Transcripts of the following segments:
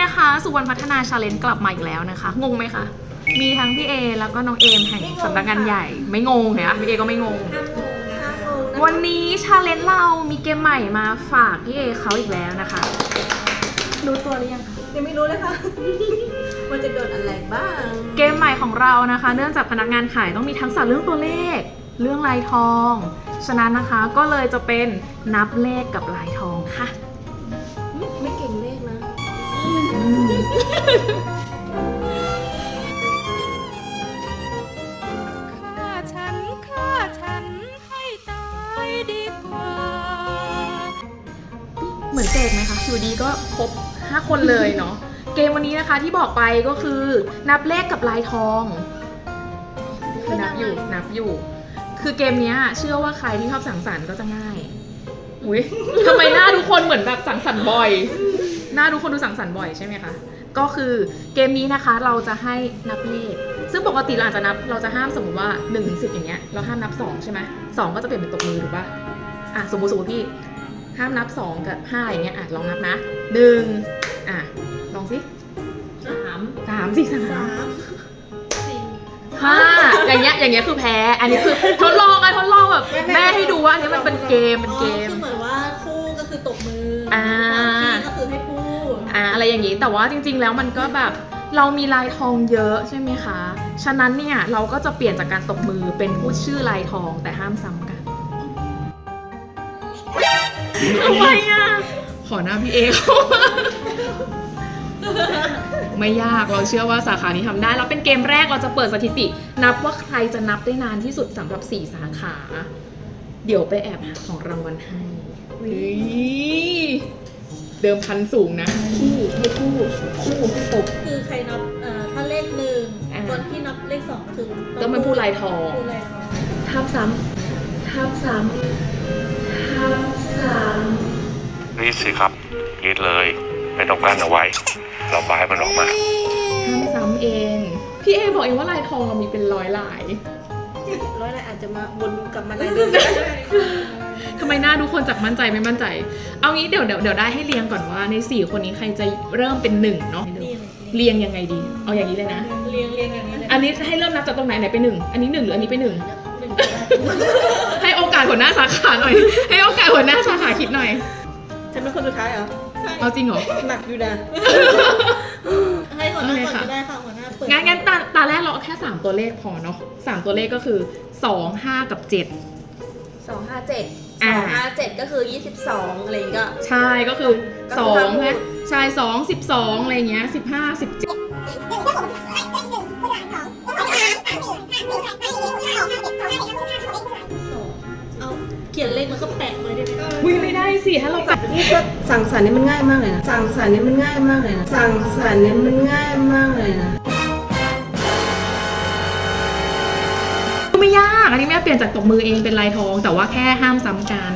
นะคะสุวรรณพัฒนาชาเลนจ์กลับมาอีกแล้วนะคะงงไหมคะมีทั้งพี่เอแล้วก็น้องเอมแห่งสำนักงานใหญ่ไม่งงเหรอพี่เอก็ไม่งงวันนี้ชาเลนจ์เรามีเกมใหม่มาฝากพี่เอเขาอีกแล้วนะคะรู้ตัวหรือยังคะยังไม่รู้เลยค่ะมันจะโดนอะไรบ้างเกมใหม่ของเรานะคะเนื่องจากพนักงานขายต้องมีทักษะเรื่องตัวเลขเรื่องลายทองฉะนั้นนะคะก็เลยจะเป็นนับเลขกับลายทองค่ะไม่เก่งเลขนะฆ่าฉันให้ตายดีกว่าเหมือนเสกไหมคะอยู่ดีก็ครบ5คนเลยเนาะเกมวันนี้นะคะที่บอกไปก็คือนับเลขกับลายทองคือนับอยู่คือเกมนี้เชื่อว่าใครที่ชอบสังสรรค์ก็จะง่ายอุ้ยทำไมหน้าทุกคนเหมือนแบบสังสรรค์บ่อยหน้าทุกคนดูสังสรรค์บ่อยใช่ไหมคะก็คือเกมนี้นะคะเราจะให้นับเลขซึ่งปกติเราอาจจะนับเราจะห้ามสมมติว่า1 ถึง 10อย่างเงี้ยเราห้ามนับ2ใช่ไหม2ก็จะเปลี่ยนเป็นตบมือถูกป่ะสมมติพี่ห้ามนับ2กับ5อย่างเงี้ยลองนับนะ1ลองสิ3 4 3 5อย่างเงี้ยคือแพ้อันนี้คือทดลองแบบแม่ให้ดูว่าอันนี้มันเป็นเกมคือเหมือนว่าคู่ก็คือตบมือก็คือให้พูดอะไรอย่างนี้แต่ว่าจริงๆแล้วมันก็แบบเรามีลายทองเยอะใช่ไหมคะฉะนั้นเนี่ยเราก็จะเปลี่ยนจากการตบมือเป็นพูดชื่อลายทองแต่ห้ามซ้ำกันทำไมขอหน้าพี่เอเข้ามาไม่ยากเราเชื่อว่าสาขานี้ทำได้แล้วเป็นเกมแรกเราจะเปิดสถิตินับว่าใครจะนับได้นานที่สุดสำหรับ4 สาขาเดี๋ยวไปแอบหาของรางวัลให้เดิมพันสูงนะคู่ให้ตบคือใครนับถ้าเลข1คนที่นับเลข2ก็คือต้องเป็นผู้ลายทองทับซ้ำรีดสิครับรีดเลยไม่ต้องกั้นเอาไว้เราบายมันออกมาห้ามซ้ำเองพี่เอบอกเองว่าลายทองมีเป็น100 ลายลายอาจจะมาวนกลับมาลายเดิมทำไมหน้าทุกคนจากมั่นใจไม่มั่นใจเอางี้เดี๋ยวได้ให้เรียงก่อนว่าใน4คนนี้ใครจะเริ่มเป็น1เนาะเรียงยังไงดีเอาอย่างนี้เลยนะเรียงอย่างนี้เลยอันนี้ให้เริ่มนับจากตรงไหนเป็น1อันนี้1หรืออันนี้เป็น1ให้โอกาสหัวหน้าสาขาหน่อยให้โอกาสหัวหน้าสาขาคิดหน่อยฉันเป็นคนสุดท้ายเหรอเอาจริงเหรอหนักอยู่นะให้หัวหน้าก่อนก็ได้ค่ะหัวหน้าเปิดงั้นตาแรกเราแค่3ตัวเลขพอเนาะ3ตัวเลขก็คือ2 5กับ7 257ก็คือ22อะไรก็ใช่ก็คือ2นะใช่2 12อะไรเงี้ย15 17 เขียนเลขมันก็แปะเลยได้ไหมวิ่งไม่ได้สิถ้าเราแปะนี่ก็สั่งสรรค์นี่มันง่ายมากเลยนะสั่งสรรค์นี่มันง่ายมากเลยนะไม่ยากอันนี้แม่เปลี่ยนจากตบมือเองเป็นลายทองแต่ว่าแค่ห้ามซ้ำกัน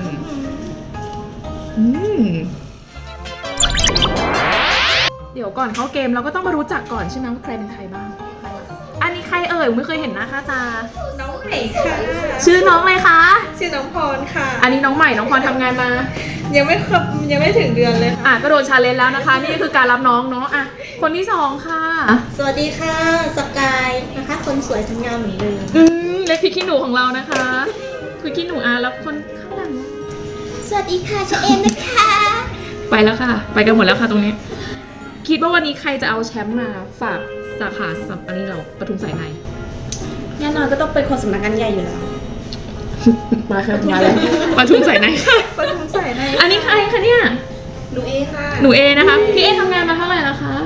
เดี๋ยวก่อนเข้าเกมเราก็ต้องมารู้จักก่อนใช่ไหมว่าใครเป็นใครบ้างอันนี้ใครเอ่ยไม่เคยเห็นหน้าค่าตาน้องใหม่ค่ะชื่อน้องอะไรคะชื่อน้องพรค่ะอันนี้น้องใหม่น้องพรทำงานมายังไม่ถึงเดือนเลยค่ะก็โดนชาเลนจ์แล้วนะคะนี่คือการรับน้องเนาะคนที่2ค่ะสวัสดีค่ะสกายนะคะคนสวยทั้งงามเหมือนเดิมเล็กพริกขี้หนูของเรานะคะคือขี้หนูแล้วคนข้างหลังสวัสดีค่ะเชเอมนะคะไปแล้วค่ะไปกันหมดแล้วค่ะตรงนี้คิดว่าวันนี้ใครจะเอาแชมป์มาฝากสาขาอันนี้เราปทุมสายในแน่นอนก็ต้องเป็นคนสำนักงานใหญ่อยู่แล้วมาค่ะมาแล้วปทุมสายในปทุมสายในอันนี้ใครคะเนี่ยหนูเอค่ะหนูเอนะคะพี่เอทำงานมาเท่าไหร่แล้วคะ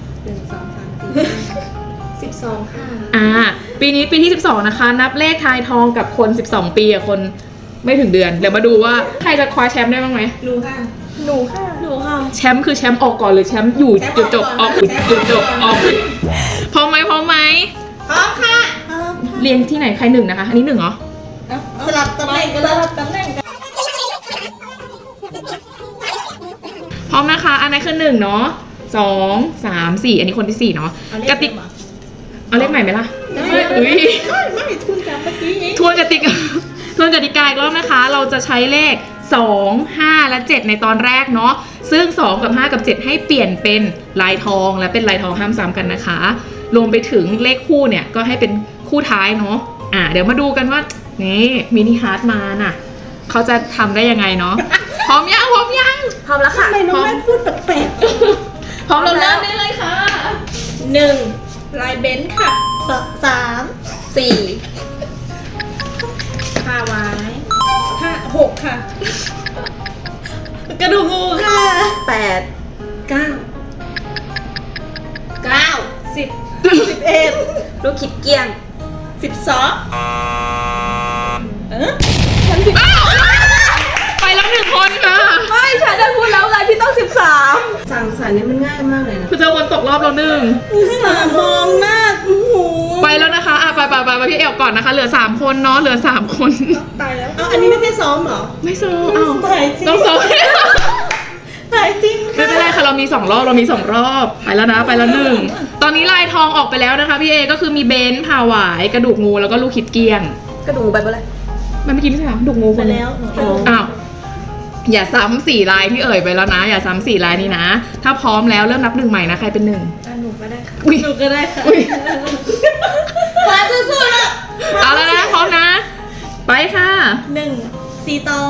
12ค่ะปีนี้ปีที่12นะคะนับเลขทายทองกับคน12ปีคนไม่ถึงเดือนเดี๋ยวมาดูว่าใครจะคว้าแชมป์ได้บ้างไหมหนูค่ะแชมป์คือแชมป์ออกก่อนหรือแชมป์อยู่จุดจบออกจุดจบออกพร้อมไหมพร้อมค่ะเรียงที่ไหนใคร1นะคะอันนี้1เหรอสลับตำแหน่งพร้อมนะคะอันนี้คือ1เนาะ2 3 4อันนี้คนที่4เนาะกติกเอาเลขใหม่ไหมล่ะไม่ทวนกันเมื่อกี้ทวนกติกาอีกรอบนะคะเราจะใช้เลข 2 5 และ 7 ในตอนแรกเนาะซึ่ง 2 กับ 5 กับ 7 ให้เปลี่ยนเป็นลายทองและเป็นลายทองห้ามซ้ำกันนะคะรวมไปถึงเลขคู่เนี่ยก็ให้เป็นคู่ท้ายเนาะเดี๋ยวมาดูกันว่านี่มินิฮาร์ดมาน่ะเขาจะทำได้ยังไงเนาะ พร้อมยังพร้อมยังพร้อมแล้วค่ะทำไมน้องแม่พูดแปลกพร้อมเราเริ่มได้เลยค่ะ 1ลายเบนซ์ค่ะ3 4ผ้าไว้6ค่ะ กระดูกงูค่ะ8 9 10 11 ลูกคิดเกี้ยง 12 ไปแล้ว1 คนค่ะไม่ฉันจะพูดแล้วไงพี่ต้อง13 สั่งสรรค์นี่มันง่ายมากเลยนะคือเจอคนตกรอบแล้ว1 มองหน้าโอ้โหไปแล้วนะคะไปพี่เอวก่อนนะคะเหลือ3 คนเนาะเหลือ3 คนตายแล้วเอาอันนี้ไม่ใช่ซ้อมเหรอไม่โซ่อ้าวตายจริงต้องโซ่ตายจริงไม่เป็นไรค่ะเรามี2 รอบไปแล้วนะไปแล้ว1ตอนนี้ลายทองออกไปแล้วนะคะพี่เอก็คือมีเบนซ์พาหวายกระดูกงูแล้วก็ลูกคิดเกี้ยงกระดูกไปเมื่อไรมันเมื่อกี้ไม่ใช่เหรอดูกงูไปคนแล้วหนูอ้าวอย่าซ้ำ4 ลายที่เอ่ยไปแล้วนะ อย่าซ้ำ4 ลายนี้นะ ถ้าพร้อมแล้วเริ่มนับ1ใหม่นะใครเป็น1 หนูก็ได้ค่ะอุ้ยหนูก็ได้ค่ะอุ้ยมาสู้ๆแล้วเอาแล้วนะพร้อมนะ ไปค่ะ 1 4 ตอง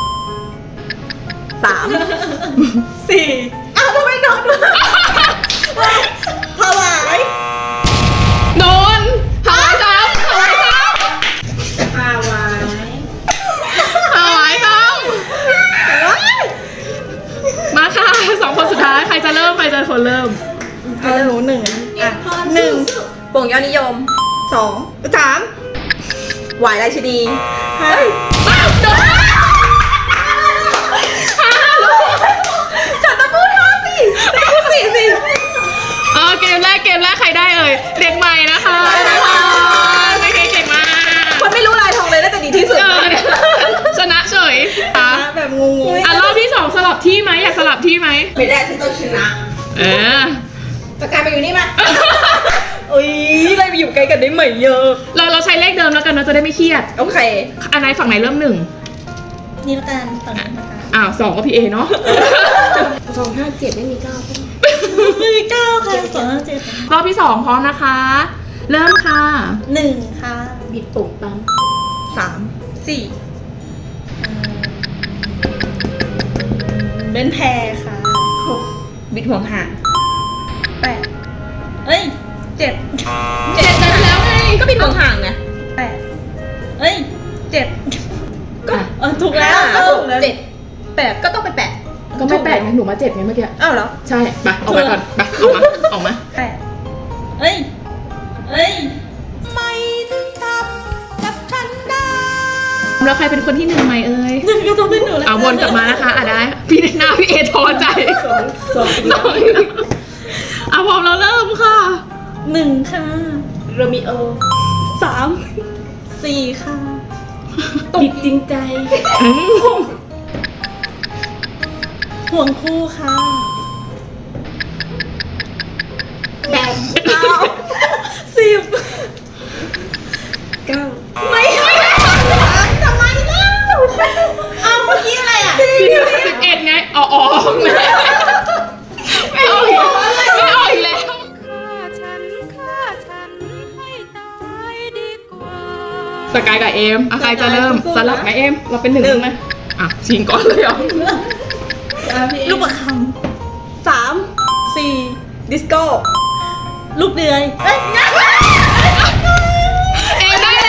3 4อ้าวทำไมนอนด้วยผวายโดนหายซ้ำหายซ้ผวายำหายซ้ำมาค่ะ2 คนสุดท้ายใครจะเริ่มใครจะคนเริ่มเอาหนู1อ่ะ1 โป่งยอดนิยม 2 3 หวายราชินี 5 อ้าวโดนฉันต้องพูด5สิพูด4สิเกมแรกใครได้เอ่ยเด็กใหม่นะคะไม่เคยเก่งมากคนไม่รู้ลายทองเลยน่าจะดีที่สุดชนะเฉยอ่ะแบบงงๆรอบที่ 2 สลับที่ไหมอยากสลับที่ไหมไม่ได้ฉันต้องชนะเออปากกามาอยู่นี่มาอุ้ยเลยไปอยู่ไกลกันได้ไหมเยอะเราใช้เลขเดิมแล้วกันเนาะจะได้ไม่เครียดโอเคอันไหนฝั่งไหนเริ่ม1 นี่ละกันฝั่งนี้นะคะอ้าว2ก็พี่เอเนาะ 257ไม่มี9ใช่ไหมมือ9ค่ะ2 รอบที่ 2 พร้อมนะคะ เริ่มค่ะ 7 1ค่ะบิดปุ่มปั๊ม 3 4เบนแพรค่ะบิดห่วงห่าง 8เอ้ย7 7ได้แล้วไงก็บิดห่วงห่างไง 8เอ้ย7ก็ถูกแล้วถูกแล้ว 8 ก็ต้องเป็น8 ก็ไม่8ไงหนูมา7ไงเมื่อกี้อ้าวเหรอใช่ไปออกมาก่อนไปออกมา 8เอ้ยไม่ถึงทำกับฉันได้แล้วใครเป็นคนที่1ไหมเอ่ยก็ต้องเป็นหนูแล้วเอาวนกลับมานะคะได้พี่หน้าพี่เอท้อใจ 2 เอาพร้อมแล้วเริ่มค่ะ 1ค่ะโรมิโอ 3 4ค่ะบิดจริงใจห่วงคู่ค่ะแบบ 10 9 ไม่ทำไมเล่าเอาเมื่อกี้อะไรอ่ะ 11ไงอ๋อไม่ออกอีกแล้วสกายกับเอมใครจะเริ่มสลับไหมเอมเราเป็น1ไหมชิงก่อนเลยเหรอลูกประคำ3 4 ดิสโก้ลูกเดือยเอ้ยเอมได้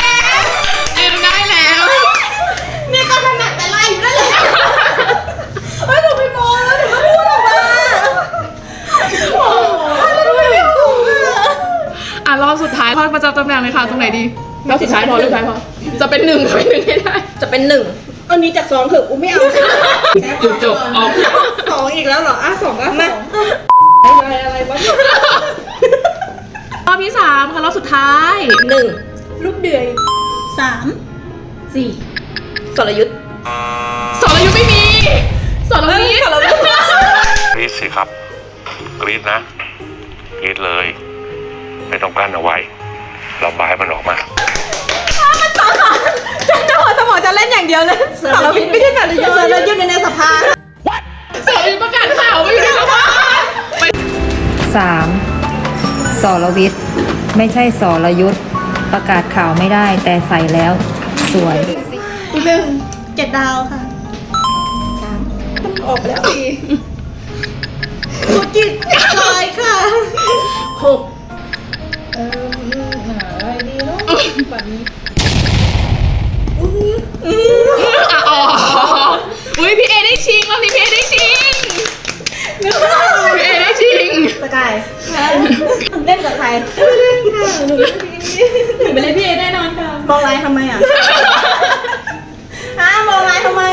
แล้วเนี่ยก็ถนัดแต่ไล่อยู่นั่นแหละเฮ้ยหนูไปมองแล้วหนูก็พูดออกมาโอ้โหแล้วหนูไม่ถูกอ่ะรอบสุดท้ายพอประจำตำแหน่งเลยค่ะตรงไหนดีรอบสุดท้ายพอจะเป็น1ให้ได้จะเป็น1เอานี้จาก2เถอะกูไม่เอาจบออก 2อีกแล้วเหรอ2ก็2อะไรวะรอบที่3ค่ะรอบสุดท้าย 1 ลูกเดือย3 4 สรยุทธ์สรยุทธ์ไม่มีสรยุทธ์กรีดสิครับกรีดนะกรีดเลย ไม่ต้องกั้นเอาไว้ระบายมันออกมาฉันจะหัวสมองบอกจะเล่นอย่างเดียวเลยสารพิษไม่ใช่สารยุทธ์สารยุทธ์ในสภาสารประกาศข่าวไม่ได้หรอวะ 3. สรวิทย์ไม่ใช่สรยุทธ์ประกาศข่าวไม่ได้แต่ใส่แล้วสวย 1 7 ดาวค่ะออกแล้วสิธุรกิจลอยค่ะอะไรดีเนาะแบบนี้อ๋ออุ้ยพี่เอได้ชิงรอบนี้พี่เอได้ชิงพี่เอได้ชิงสกายเล่นกับใครเล่นค่ะหนูไม่เล่นพี่เอแน่นอนค่ะมองไลน์ทำไมอ่ะมองไลน์ทำไม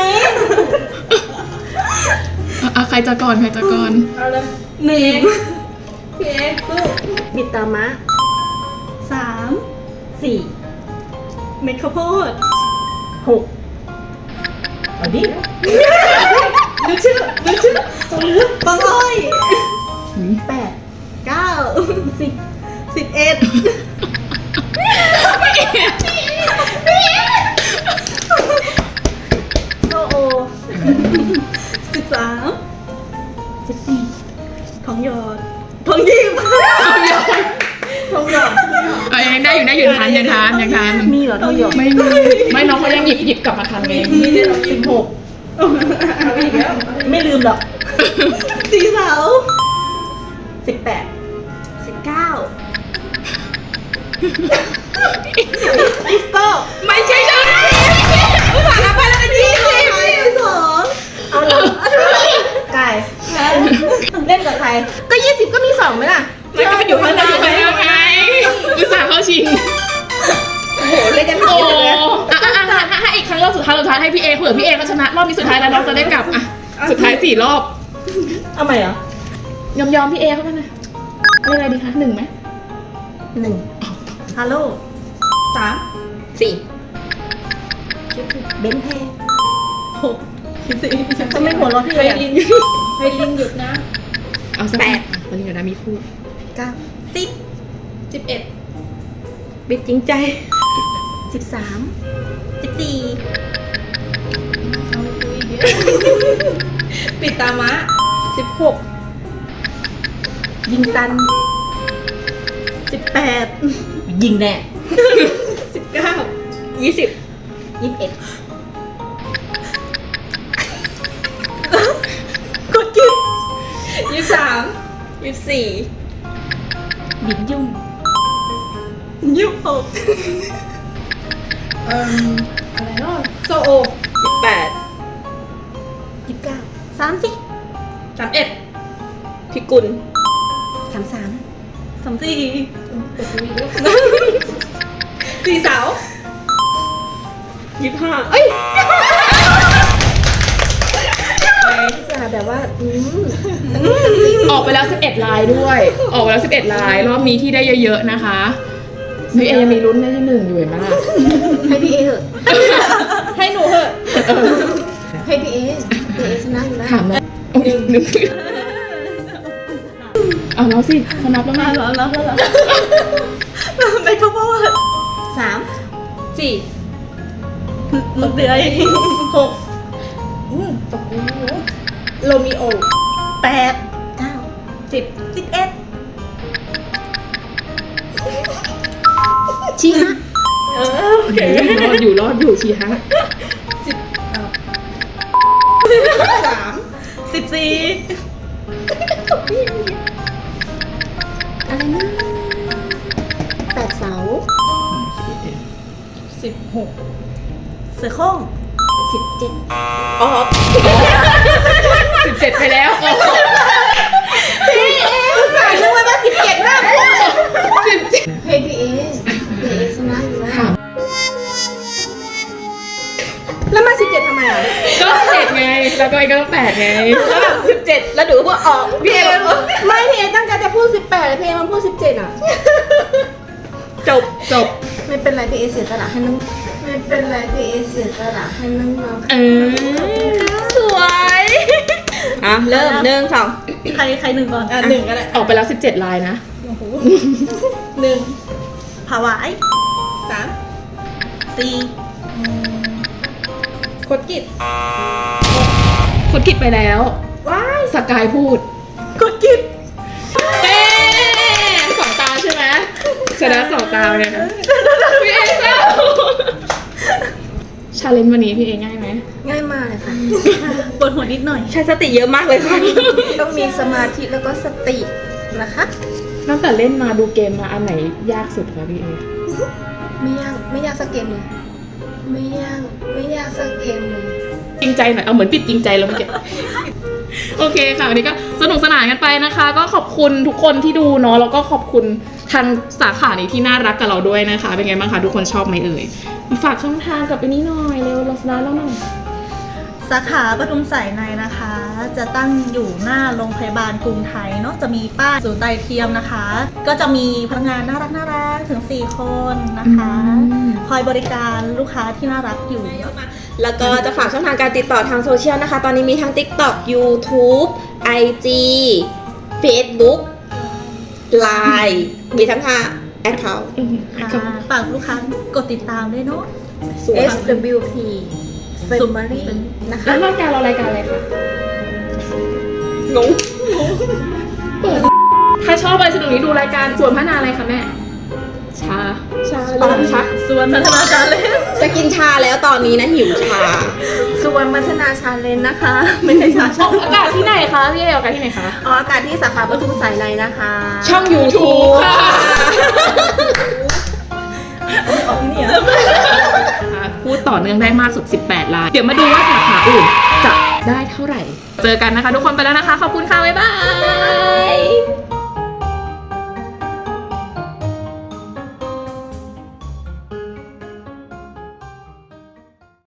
ใครจะก่อนใครจะก่อนเอาเลย 1 พี่เอ็กซ์สู้บิดตามะ3 4 เม็ดข้าวโพด6เอาดิดูชื่อสมมติบางอ้อย8 9 10 11โซโอ13 14ทองหยอดทองหยิบทองหยอดยังได้อยู่ยังทานมีเหรอทองหยอดไม่มีไม่น้องเขายังหยิบกลับมาทานเองมีได้16ไม่ลืมหรอกสีเสา18 19ลิสโก้ไม่ใช่ใช่ภาษานับไปแล้วกัน22เอาละไก่เล่นกับใครก็20ก็มี2ไหมล่ะมันก็อยู่ข้างหน้าอยู่ข้างหน้าไงอุตส่าห์เข้าชิงโอ้โหเล่นกันโอ้ถ้าอีกครั้งรอบสุดท้ายให้พี่เอเผื่อพี่เอเขาชนะรอบนี้สุดท้ายแล้วน้องจะได้กลับอ่ะสุดท้าย4 รอบเอาใหม่เหรอยอมพี่เอเขาไปนะเล่นอะไรดีคะ1ไหม 1ฮัลโหล3 4เบนเท6 14ทำไมหัวเราะพี่เลยอ่ะให้ลินหยุดนะเอาสักตอนนี้เดี๋ยวนะมีพูด 9 10 11 บิดจริงใจ13 14 ปิดตามะ 16ยิงตัน18ยิงแน่ 19 20 21กดกิน 23 24 บิดยุ่ง26 อะไรเนาะโซโอ28 29 30 31พิกุล 33 34 สี่สาว25เอ้ยจะแบบว่าออกไปแล้ว11 ลายด้วย ออกไปแล้ว11 ลายรอบนี้ที่ได้เยอะๆนะคะพี่เอยังมีลุ้นได้ที่1อยู่เห็นไหมล่ะให้พี่เอเถอะให้หนูเหอะให้พี่เอชนะอยู่แล้วถามเลยนึกเอาแล้วสิเขานับแล้วไงแล้วไปข้าวโพด3 4 ลูกเดือย6 ตกนี้โรมิโอ 8 9 10 11ชี้ฮะโอเครอดอยู่ชีฮะ 3 14อะไรนะ8 เสา 16 เสือโคร่ง17 ออก 17 ไปแล้วพี่เอสายนึกว่า17น่าพูดให้พี่เอชนะอยู่แล้วแล้วมา17ทำไมอ่ะก็7ไง แล้วก็อีกก็ต้อง8ไงแล้วแบบ17แล้วหนูก็ออกพี่เอไม่พี่เอตั้งใจจะพูด18พี่เอมันพูด17อ่ะจบไม่เป็นไรพี่เอเสียสละให้น้องไม่เป็นไรพี่เอเสียสละให้น้องเออสวยอ่ะ เริ่ม1 2 ใครหนึ่งก่อน 1ก็ได้ออกไปแล้ว17 ลายนะ 1 ผาวาย 3 4 ดกิจคนกิดไปแล้วว้ายสกายพูดกดกิจเอ๊สองตาใช่ไหมชนะสองตาเนี่ยนะพี่เอเจ้าชาเลนจ์วันนี้พี่เอง่ายไหมง่ายมากเลยค่ะปวดหัวนิดหน่อยใช้สติเยอะมากเลยค่ะต้องมีสมาธิแล้วก็สตินะคะตั้งแต่เล่นมาดูเกมมาอันไหนยากสุดคะพี่เอไม่ยากสักเกมเลยไม่ยากสักเกมเลยจริงใจหน่อยเอาเหมือนปิดจริงใจแล้วเมื่อกี้ โอเคค่ะวันนี้ก็สนุกสนานกันไปนะคะ ก็ขอบคุณทุกคนที่ดูเนาะแล้วก็ขอบคุณทางสาขานี้ที่น่ารักกับเราด้วยนะคะ เป็นไงบ้างคะทุกคนชอบไหมเอ่ยฝากช่องทางกับไปนี้หน่อยเร็วเราสนาแล้วหน่อยสาขาปทุมสายในนะคะ จะตั้งอยู่หน้าโรงพยาบาลกรุงไทยเนาะจะมีป้ายศูนย์ไตเทียมนะคะ ก็จะมีพนักงานน่ารักถึง4คนนะคะ คอยบริการลูกค้าที่น่ารักอยู่แล้วก็จะฝากช่องทางการติดต่อทางโซเชียลนะคะ ตอนนี้มีทั้ง TikTok YouTube IG Facebook Line มีทั้ง5 account ฝากลูกค้ากดติดตามด้วยเนาะ SWP Summary นะคะแล้วรายการเรารายการอะไรคะงงถ้าชอบอะไรสนุกนี้ดูรายการส่วนพัฒนาอะไรคะแม่ชาตอนชักส่วนพัฒนาชาเลนจ์จะกินชาแล้วตอนนี้นะหิวชาส่วนพัฒนาชาเลนจ์นะคะ ไม่ใช่ชาออกอากาศที่ไหนคะพี่เอออกอากาศที่ไหนคะออกอากาศที่สาขาปทุมสายในนะคะช่อง YouTube ค่ะ พูดต่อเนื่องได้มากสุด 18 ล้าน เดี๋ยวมาดูว่าสาขาอื่นจะได้เท่าไหร่ เจอกันนะคะทุกคนไปแล้วนะคะ ขอบคุณค่ะ บ๊ายบาย